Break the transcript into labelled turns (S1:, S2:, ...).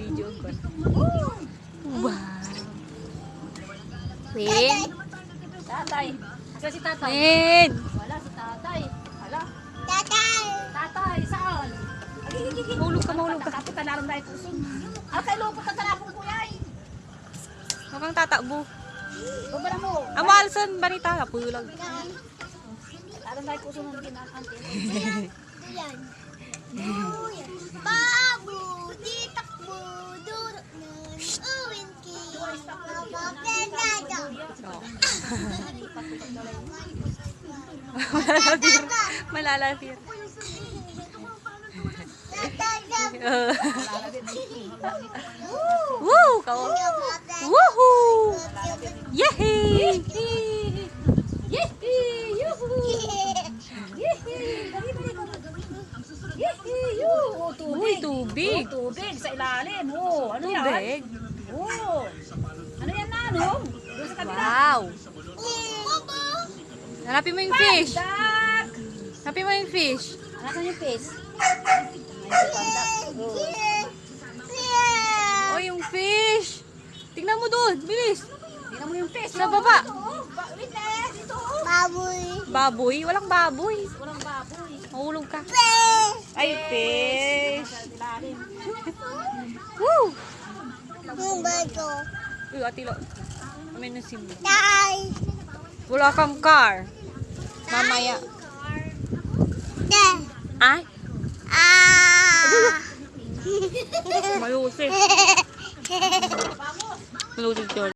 S1: Video ko. Wow. Win.
S2: Tatay. Asa si tatay?
S1: Win.
S2: Wala si tatay. Hala.
S3: Tatay!
S2: Tatay, saan?
S1: Mahulog ka, mahulog ka.
S2: Kapit ka naroon dahil pusong. Kay lupot ang talapong kuyay.
S1: Huwag kang tatakbo.
S2: Babala mo.
S1: Ang maalsan, banita. Napulag.
S2: Naroon dahil pusong ng kinakante.
S3: Yan. Babu, di takbo, durok nun, uwin ki. Mapapelado.
S1: Malalapir. Malalapir. Woo! Woohoo! Yehey! Uy, tubig.
S2: Tubig sa ilalim. Oh, ano yan?
S1: Tubig.
S2: Oh. Ano yan na, ano? Doon sa kabila.
S1: Wow! Hanapin mo yung fish.
S2: Pandak!
S1: Hanapin mo yung fish.
S2: Nasaan yung fish? Ayun si Pandak. Oh.
S1: Oh, yung fish. Tingnan mo doon. Bilis.
S2: Tingnan mo yung fish.
S1: Sa baba.
S2: Wait eh. Dito.
S3: Baboy.
S1: Baboy? Walang baboy.
S2: Walang baboy.
S1: Mahulog ka.
S3: Fish.
S1: Ay, fish.
S2: Sa ilalim.
S1: Woo!
S3: Yung bato.
S1: Uy, atilo. May nasimba.
S3: Tay.
S1: Wala kang car. Mamaya.
S3: Te.
S1: Ay,
S3: Ah.
S1: malusip. Malusip yun.